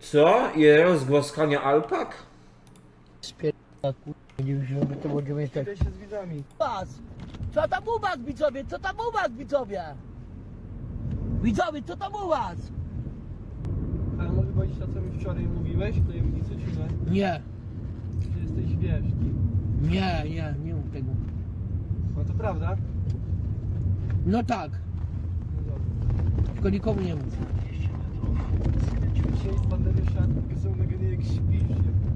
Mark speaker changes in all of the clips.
Speaker 1: Co? I rozgłaskania alpak?
Speaker 2: Spierdala, kurwa, nie wiem, że to będziemy tak.
Speaker 3: Idę się z widzami.
Speaker 2: Was! Co tam u was, widzowie? Co tam u was, widzowie? Widzowie, co tam u was?
Speaker 3: Ale może powiedzieć to, co mi wczoraj mówiłeś w tajemnicy, czy nie?
Speaker 2: Nie,
Speaker 3: Że jesteś, wiesz,
Speaker 2: nie mów tego.
Speaker 3: no to prawda?
Speaker 2: No tak,
Speaker 3: No dobra.
Speaker 2: tylko nikomu nie mów.
Speaker 3: Dzisiaj z Banderyszem są nagranie jak śpisz,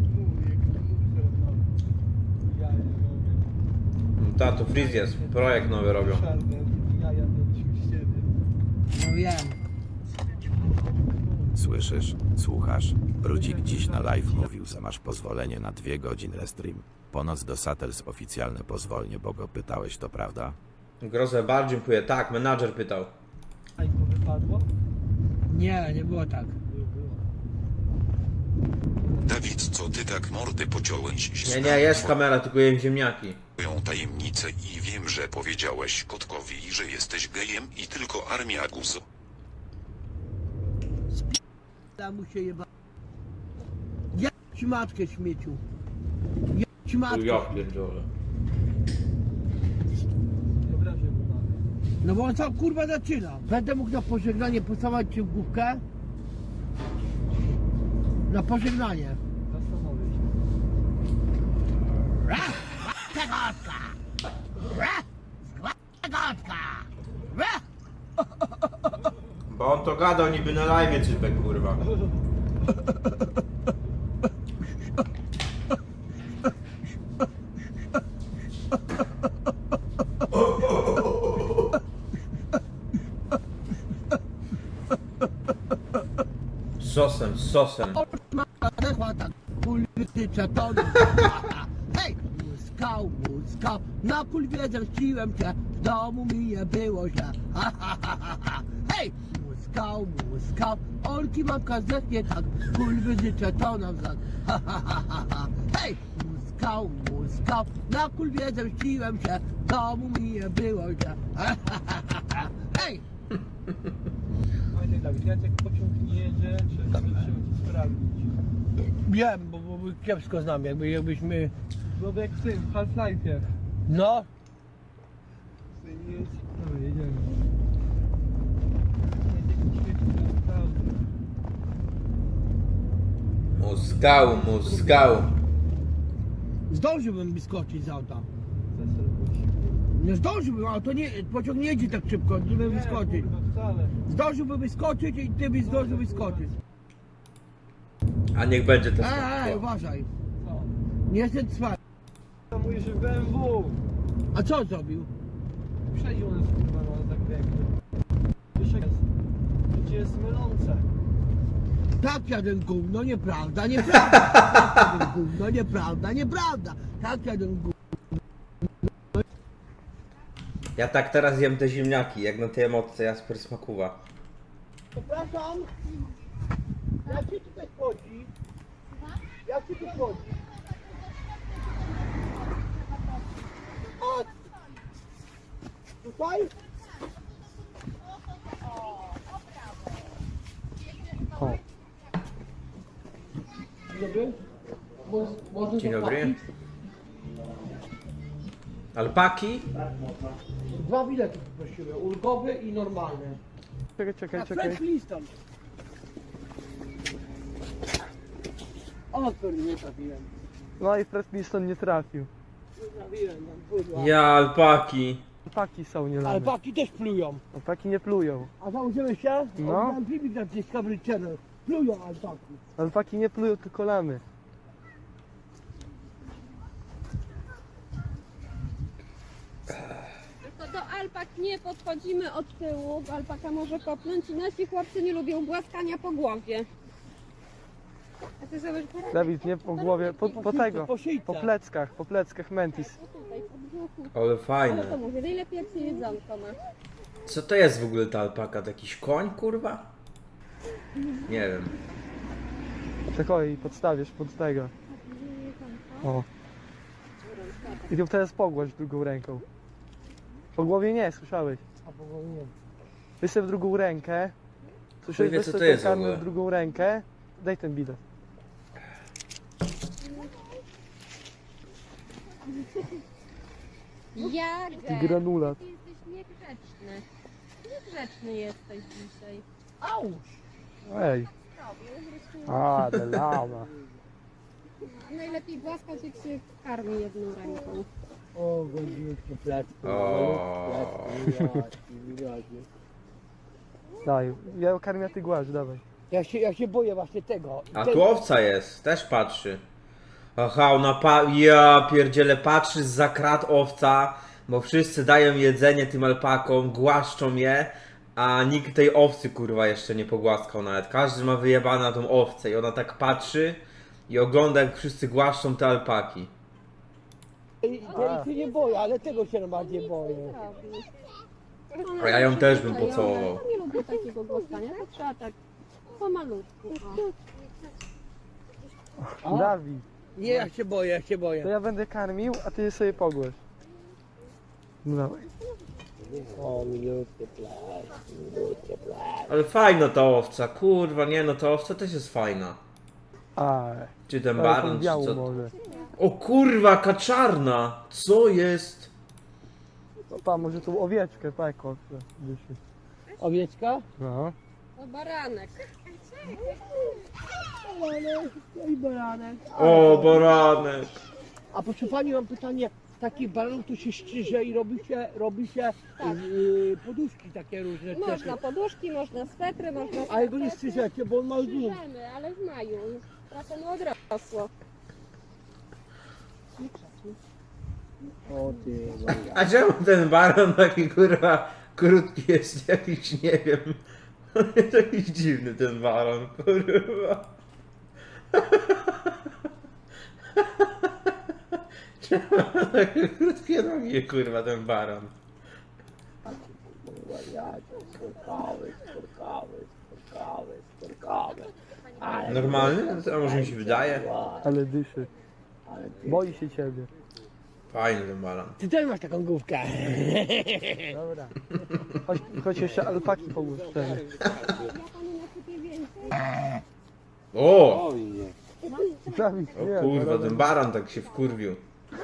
Speaker 3: ja nie mogę.
Speaker 1: Tato, Freeze jest. Projekt nowy robią.
Speaker 3: Czarne jaja mieliśmy z ciebie.
Speaker 2: No wiem.
Speaker 4: Słyszysz, słuchasz? Brudzik dziś na live mówił, że masz pozwolenie na 2 godziny stream. Ponoć do Satels oficjalne pozwolenie, bo go pytałeś, to prawda?
Speaker 1: Grozę bardzo dziękuję. Tak, menadżer pytał.
Speaker 3: A jak to wypadło?
Speaker 2: Nie było tak.
Speaker 3: Było.
Speaker 5: Dawid, co ty tak mordy pociąłeś?
Speaker 1: Nie, jest kamera, tylko jem ziemniaki.
Speaker 5: Swoją tajemnicę i wiem, że powiedziałeś kotkowi, że jesteś gejem i tylko armia guzo.
Speaker 2: Da mu się jeba. Ja ci matkę, śmieciu. Ja ci matkę.
Speaker 1: Ja pierdolę.
Speaker 3: Nie obrażę mu mamy.
Speaker 2: No bo on sam kurwa zaczyna. Będę mógł na pożegnanie pocałować cię w główkę? Na pożegnanie.
Speaker 3: Zastanowię się.
Speaker 2: Zagadka! Zagadka!
Speaker 1: Bo on to gadał niby na live, cypek, kurwa. Z sosem.
Speaker 2: Chłata, kultycze to hej! Muskał, na kulwie zemściłem cię, w domu mi nie było źle. Hej! Muskał, olki mamka zechnie tak, kulwy życzę to nam znak. Hej! Muskał, na kulwie zemściłem się, w domu mi nie było źle. Hej!
Speaker 3: Pamiętaj, Dawid, jak pociąg nie jedzie, trzeba ci sprawdzić.
Speaker 2: Wiem, bo kiepsko znam, jakbyśmy...
Speaker 3: Byłoby jak w tym, w Half-Life'ie.
Speaker 2: No,
Speaker 3: Nie jest... Dobra, jedziemy. Jest prawda.
Speaker 1: Muskał.
Speaker 2: zdążyłbym wyskoczyć z auta.
Speaker 3: Zaserwuj.
Speaker 2: Nie zdążyłbym, ale to nie, pociąg nie jedzie tak szybko, żeby wyskoczyć.
Speaker 3: Kurwa, wcale.
Speaker 2: Zdążyłbym wyskoczyć i ty byś zdążył wyskoczyć.
Speaker 1: A niech będzie to
Speaker 2: Uważaj.
Speaker 3: Co?
Speaker 2: Nie jestem cwany.
Speaker 3: To mówisz, że BMW.
Speaker 2: A co zrobił?
Speaker 3: Przedził nas kurwa na zagrębie. Wiesz jak jest? Życie jest mylące.
Speaker 2: Tak jadę gówno, nieprawda. Tak jadę gówno, nieprawda. Tak jadę gówno.
Speaker 1: Ja tak teraz jem te ziemniaki, jak na tej emotce Jasper Smakuwa.
Speaker 2: Przepraszam. Jak się tutaj wchodzi? Jak się tu wchodzi? A tutaj? Dzień dobry. Można
Speaker 1: Dzień dobry.
Speaker 2: zapłacić?
Speaker 1: Alpaki?
Speaker 2: 2 bilety poprosiłem, ulgowy i normalny.
Speaker 3: Czekaj.
Speaker 2: French Liston. O kurde, nie trafiłem.
Speaker 3: No i Fred Liston nie trafił.
Speaker 2: Nie trafiłem, tam pudła.
Speaker 1: Ja, alpaki.
Speaker 3: Alpaki są nie
Speaker 2: Ale baki też plują.
Speaker 3: Alpaki nie plują.
Speaker 2: A założymy się?
Speaker 3: No.
Speaker 2: Oglądam filmik na Discovery Channel. Plują alpaki.
Speaker 3: Alpaki nie plują, tylko lamy.
Speaker 6: Tylko do alpak nie podchodzimy od tyłu, bo alpaka może kopnąć i nasi chłopcy nie lubią głaskania po głowie. A ty zobacz, poradzę.
Speaker 3: Dawid, nie po głowie, po tego.
Speaker 2: Po szyjce.
Speaker 3: Po pleckach Mentis.
Speaker 6: Tutaj, po brzuchu.
Speaker 1: Ale
Speaker 6: Ale to
Speaker 1: fajne.
Speaker 6: mówię, najlepiej jak się jedzonko ma.
Speaker 1: Co to jest w ogóle ta alpaka? To jakiś koń, kurwa? Nie wiem.
Speaker 3: Czekaj, podstawisz pod tego. O. I ją teraz pogłaś drugą ręką. Po głowie nie, słyszałeś?
Speaker 2: A po głowie nie.
Speaker 3: Weź sobie w drugą rękę.
Speaker 1: Chuj wie,
Speaker 3: Weź
Speaker 1: co
Speaker 3: sobie
Speaker 1: to jest w
Speaker 3: karmę
Speaker 1: ogóle.
Speaker 3: w drugą rękę daj ten bilet.
Speaker 6: Jager,
Speaker 3: Granulat.
Speaker 6: ty jesteś niegrzeczny. Niegrzeczny jesteś dzisiaj.
Speaker 2: Auż!
Speaker 3: Ej. A, de lama.
Speaker 6: Najlepiej głaskać, jak się karmi jedną ręką.
Speaker 2: O, godzinki plecku.
Speaker 1: O.
Speaker 3: Daj, ja karmię, ty głaz, dawaj.
Speaker 2: Ja się boję właśnie tego.
Speaker 1: A tu owca jest, też patrzy. Aha, ona ja pierdzielę, patrzy zza krat owca, bo wszyscy dają jedzenie tym alpakom, głaszczą je, a nikt tej owcy kurwa jeszcze nie pogłaskał nawet. Każdy ma wyjebane na tą owcę i ona tak patrzy i ogląda, jak wszyscy głaszczą te alpaki.
Speaker 2: Ja się nie boję, ale tego się najbardziej boję.
Speaker 1: A ja ją też bym pocałował.
Speaker 6: Ja nie lubię takiego głaskania, to trzeba tak pomalutku. O.
Speaker 3: Dawid,
Speaker 2: Nie, ja się boję.
Speaker 3: to ja będę karmił, a ty sobie pogłasz. No dawaj.
Speaker 2: O, minutkę plec.
Speaker 1: Ale fajna ta owca, kurwa, nie no, ta owca też jest fajna.
Speaker 3: A,
Speaker 1: Czy ten
Speaker 3: ale tą
Speaker 1: baron, czy
Speaker 3: białą
Speaker 1: co?
Speaker 3: może.
Speaker 1: O kurwa, kaczarna! Co jest?
Speaker 3: No, pa, może tą owieczkę, pa, jak owce. Dyszy.
Speaker 2: Owieczka?
Speaker 3: No.
Speaker 6: O baranek.
Speaker 2: I baranek.
Speaker 1: O, baranek!
Speaker 2: A proszę pani, mam pytanie. Takich baranów tu się szczyże i robi się
Speaker 6: Tak.
Speaker 2: poduszki takie różne.
Speaker 6: Można poduszki, można swetry, można
Speaker 2: Ale go nie
Speaker 6: skarpety.
Speaker 2: strzyżecie, bo on ma dół.
Speaker 6: Strzyżemy, ale w maju. Już trochę mu odrosło.
Speaker 2: O ty,
Speaker 1: A czemu ten baron taki kurwa krótki jest jakiś, nie wiem. On jest jakiś dziwny ten baron, kurwa. Czemu ma takie krótkie nogi, kurwa, ten baron?
Speaker 2: sporkawy.
Speaker 1: Normalny? A może mi się wydaje?
Speaker 3: Ale dyszy. Boi się ciebie.
Speaker 1: Fajny ten baron.
Speaker 2: Ty też masz taką główkę.
Speaker 3: Dobra. Chodź jeszcze alpaki pogłos wtedy.
Speaker 6: Ja panu nasypię więcej.
Speaker 1: O!
Speaker 3: Dawid,
Speaker 1: O
Speaker 3: nie,
Speaker 1: kurwa,
Speaker 3: dobra.
Speaker 1: ten baron tak się wkurwił.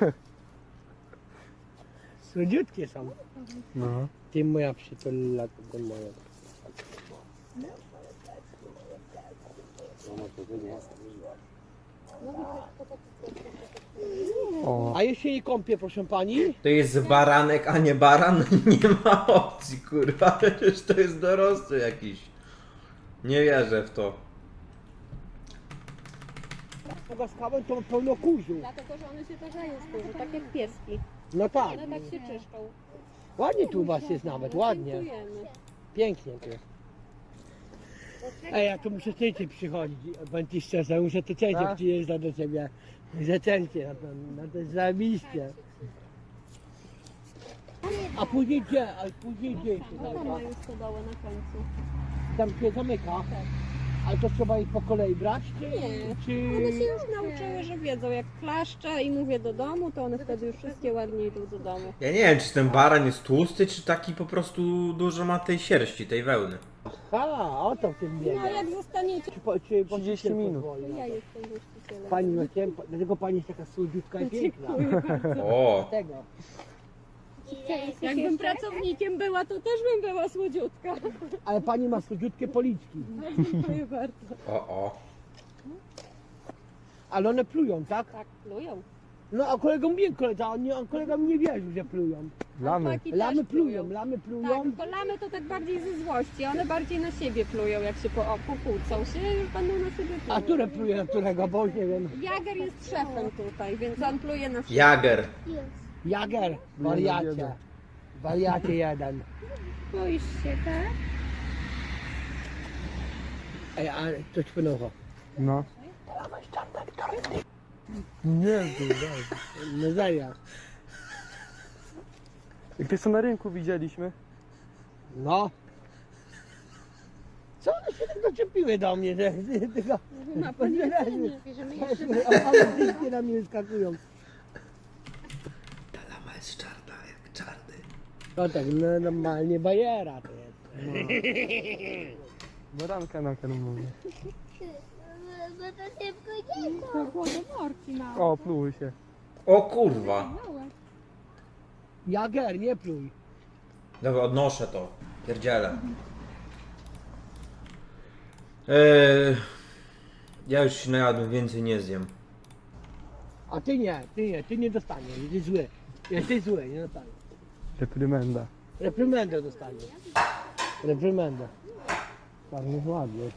Speaker 2: Słodziutkie są.
Speaker 3: No.
Speaker 2: Ty moja przytulna, to moja.
Speaker 3: O.
Speaker 2: A jeśli nie kąpię, proszę pani?
Speaker 1: To jest baranek, a nie baran? Nie ma opcji, kurwa. Przecież to jest dorosły jakiś. Nie wierzę w to.
Speaker 2: Pogaskałem to pełno kurzu.
Speaker 6: Dlatego, że one się tarzają z kurzu, tak jak pieski.
Speaker 2: No tak.
Speaker 6: One tak się czyszczą.
Speaker 2: Ładnie tu u was jest nawet, ładnie.
Speaker 6: Dziękujemy.
Speaker 2: Pięknie tu jest. Ej, ja tu muszę częściej przychodzić, powiem ci szczerze, muszę tu częściej
Speaker 3: Tak?
Speaker 2: przyjeżdżać do ciebie. Że częściej, na to zajebiście. A później gdzie? A później gdzie się
Speaker 6: Tam
Speaker 2: zamyka?
Speaker 6: mają stodołę na końcu.
Speaker 2: Tam się zamyka? Ale to trzeba ich po kolei brać? Czy,
Speaker 6: Nie.
Speaker 2: czy...
Speaker 6: One się już nauczyły, że wiedzą, jak klaszczę i mówię do domu, to one wtedy już wszystkie ładnie idą do domu.
Speaker 1: Ja nie wiem, czy ten baran jest tłusty, czy taki po prostu dużo ma tej sierści, tej wełny.
Speaker 2: A, o to w tym
Speaker 6: No
Speaker 2: biega.
Speaker 6: a jak zostaniecie,
Speaker 2: Czy
Speaker 3: 30 minut.
Speaker 6: to ja jestem właścicielem.
Speaker 2: Pani macie, dlatego pani jest taka słodziutka i piękna.
Speaker 1: O!
Speaker 2: Tego.
Speaker 6: Jakbym pracownikiem była, to też bym była słodziutka.
Speaker 2: Ale pani ma słodziutkie policzki.
Speaker 6: Dziękuję bardzo.
Speaker 1: O.
Speaker 2: Ale one plują, tak?
Speaker 6: Tak, plują.
Speaker 2: No a kolega mówię, kolega mi nie wierzył, że plują.
Speaker 3: Lamy.
Speaker 6: Alpaki też
Speaker 2: Lamy plują, lamy plują.
Speaker 6: Tak, tylko lamy to tak bardziej ze złości, one bardziej na siebie plują, jak się pokłócą się, już będą na siebie plują.
Speaker 2: A które pluje na którego, bo już nie wiem.
Speaker 6: Jager jest szefem tutaj, więc on pluje na wszystkich.
Speaker 1: Jager.
Speaker 2: Jager, wariacie. Wariacie jeden.
Speaker 6: Boisz się, tak?
Speaker 2: Ej, a coś płynęło.
Speaker 3: No. Nie, daj.
Speaker 2: No serio.
Speaker 3: Jak ty co na rynku widzieliśmy?
Speaker 2: No. Co one się tak doczepiły do mnie, że tylko...
Speaker 6: Ma pan jedzenie, bierzemy jeszcze
Speaker 2: Ale wszystkie na mnie skakują.
Speaker 1: Ta lama jest czarna, jak czarny.
Speaker 2: No tak, no normalnie bajera to jest.
Speaker 3: Baranka na karmę.
Speaker 6: To głodomorki małe.
Speaker 3: O, pluły się.
Speaker 1: O kurwa.
Speaker 6: Małe.
Speaker 2: Jager, nie pluj.
Speaker 1: Dobra, odnoszę to. Pierdzielę. Ja już się najadłem, więcej nie zjem.
Speaker 2: A ty nie dostaniesz, jesteś zły. Jesteś zły, nie dostaniesz.
Speaker 3: Reprymenda.
Speaker 2: Reprymendę dostaniesz. Reprymendę. Bardzo ładnie.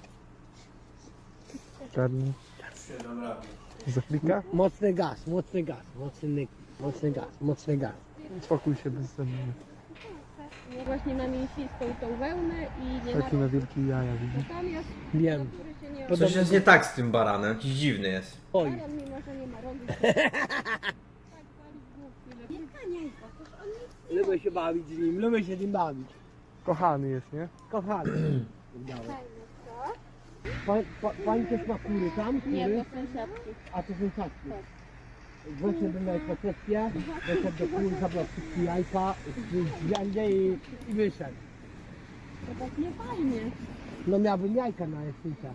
Speaker 3: Czarny. Zaklika?
Speaker 2: Mocny gaz, mocny gaz, mocny gaz, mocny gaz.
Speaker 3: Spokój się bez zębów.
Speaker 6: No właśnie na mięsistą tą wełnę i nie
Speaker 3: Taki na wielkie jaja, widzisz?
Speaker 6: Natomiast
Speaker 2: Wiem.
Speaker 6: który się nie
Speaker 1: Coś jest nie tak z tym baranem, jakiś dziwny jest.
Speaker 2: Oj,
Speaker 6: Baran, mimo że nie ma rogu. Tak wali główki. Nie kaniaj go, toż on nic
Speaker 2: lubię się bawić z nim, lubię się z nim bawić.
Speaker 3: Kochany jest, nie?
Speaker 2: Kochany.
Speaker 6: fajny, co?
Speaker 2: Pani też ma kury tam? Kury?
Speaker 6: Nie, to sąsiadki.
Speaker 2: A to są tatki. Weszedł na ekwacepcję, weszedł do kół, zabrał wszystkie jajka, zwiandzie i wyszedł.
Speaker 6: To tak nie fajnie.
Speaker 2: No miałbym jajka na jesińca.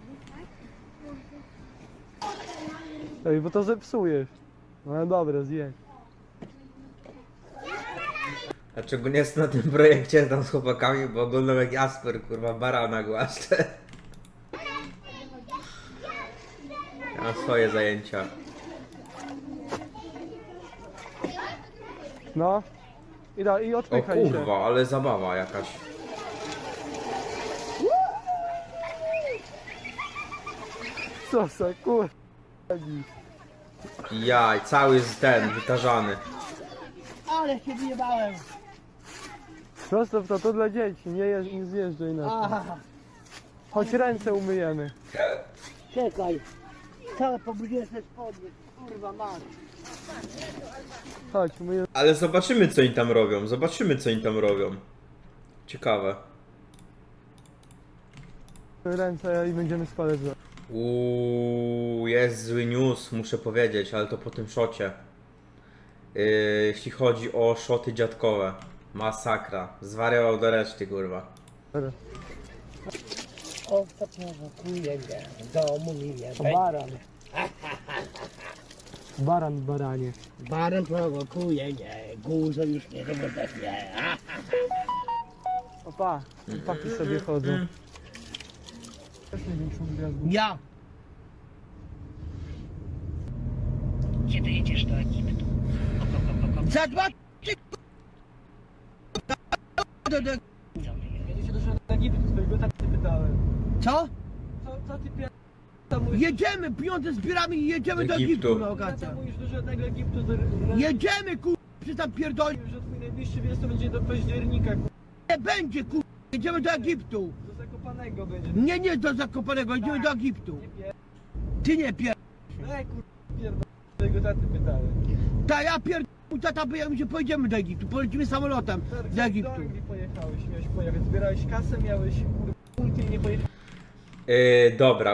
Speaker 3: Ej, bo to zepsujesz. No ale dobra, zjedz.
Speaker 1: Dlaczego nie jestem na tym projekcie tam z chłopakami, bo oglądam jak Jasper, kurwa, barana głaszcze. Ja mam swoje zajęcia.
Speaker 3: No. I
Speaker 1: O
Speaker 3: odpychaj się.
Speaker 1: kurwa, ale zabawa jakaś.
Speaker 3: Co za kur...
Speaker 1: Jaj, cały jest ten, wytarzany.
Speaker 2: Ale się wyjebałem!
Speaker 3: Zostaw to dla dzieci, nie zjeżdżaj na to.
Speaker 2: Aha,
Speaker 3: Choć ręce umyjemy.
Speaker 2: czekaj. Całe pobudziłem się spodnie, kurwa mać.
Speaker 3: Chodź, umyjemy
Speaker 1: Ale zobaczymy co oni tam robią, zobaczymy co oni tam robią. Ciekawe.
Speaker 3: ręce i będziemy spalać za...
Speaker 1: Jest zły news, muszę powiedzieć, ale to po tym szocie. Jeśli chodzi o szoty dziadkowe. Masakra. Zwariował do reszty, kurwa.
Speaker 2: O, to prowokuje mnie, w domu mi nie będzie.
Speaker 3: Baran. Baran, baranie.
Speaker 2: Baran prowokuje mnie, guzo już nie zobaczę mnie.
Speaker 3: Opa, chłopaki sobie chodzą. Też największą gwiazdą.
Speaker 2: Ja!
Speaker 7: Kiedy jedziesz do Egiptu?
Speaker 2: Za 2
Speaker 3: Jedzie się do Egiptu, swojego taty pytałem.
Speaker 2: Co?
Speaker 3: Co ty pier...
Speaker 2: Jedziemy, pieniądze zbieramy i jedziemy
Speaker 1: Do
Speaker 2: do
Speaker 1: Egiptu.
Speaker 2: Egiptu na wakacje.
Speaker 3: mówisz do żadnego Egiptu,
Speaker 2: Jedziemy, kur... Czy tam pierdoli?
Speaker 3: że twój najbliższy wyjazd to będzie do października,
Speaker 2: Nie będzie, kur... Jedziemy do Egiptu.
Speaker 3: do Zakopanego będzie.
Speaker 2: Nie do Zakopanego, jedziemy do Egiptu. Ty nie pier...
Speaker 3: Ej swojego taty pytałem.
Speaker 2: Ta ja pier... Tata by ja mi się pojedziemy do Egiptu, polecimy samolotem do Egiptu.
Speaker 3: Do Anglii pojechałeś, miałeś pojechać, zbierałeś kasę, miałeś punkt i nie pojechałeś.
Speaker 1: Dobra,